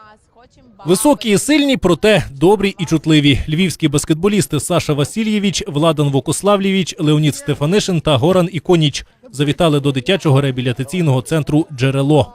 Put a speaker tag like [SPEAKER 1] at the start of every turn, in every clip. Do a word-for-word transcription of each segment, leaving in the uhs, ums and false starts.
[SPEAKER 1] Високі і сильні, проте добрі і чутливі. Львівські баскетболісти Саша Васильєвич, Владан Вокославлєвич, Леонід Стефанишин та Горан Іконіч завітали до дитячого реабілітаційного центру «Джерело».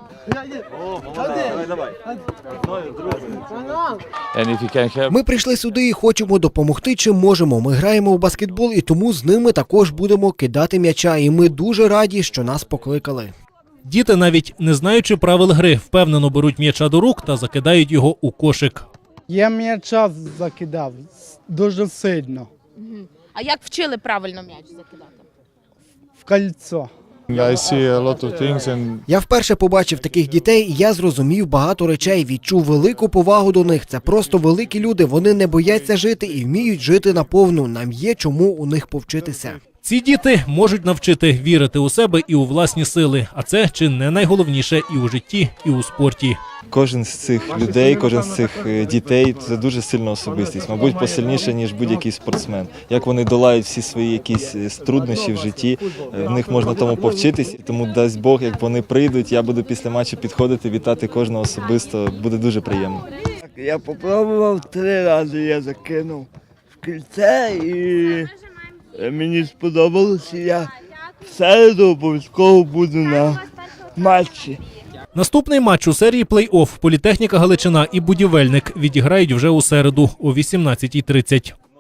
[SPEAKER 2] Ми прийшли сюди і хочемо допомогти, чим можемо. Ми граємо в баскетбол і тому з ними також будемо кидати м'яча. І ми дуже раді, що нас покликали.
[SPEAKER 1] Діти, навіть не знаючи правил гри, впевнено беруть м'яча до рук та закидають його у кошик.
[SPEAKER 3] Я м'яча закидав дуже сильно
[SPEAKER 4] А як вчили правильно м'яч закидати?
[SPEAKER 3] в кольцо.
[SPEAKER 5] I see a lot of things and
[SPEAKER 2] Я вперше побачив таких дітей, і я зрозумів багато речей, відчув велику повагу до них. Це просто великі люди, вони не бояться жити і вміють жити наповну. Нам є чому у них повчитися.
[SPEAKER 1] Ці діти можуть навчити вірити у себе і у власні сили, а це чи не найголовніше і у житті, і у спорті.
[SPEAKER 6] Кожен з цих людей, кожен з цих дітей – це дуже сильна особистість, мабуть, посильніше, ніж будь-який спортсмен. Як вони долають всі свої якісь труднощі в житті, в них можна тому повчитись. Тому дасть Бог, як вони прийдуть, я буду після матчу підходити, вітати кожного особисто, буде дуже приємно.
[SPEAKER 7] Я спробував три рази, я закинув в кільце і мені сподобалося, я в середу обов'язково буду на матчі.
[SPEAKER 1] Наступний матч у серії плей-офф «Політехніка Галичина» і «Будівельник» відіграють вже у середу о вісімнадцятій тридцять.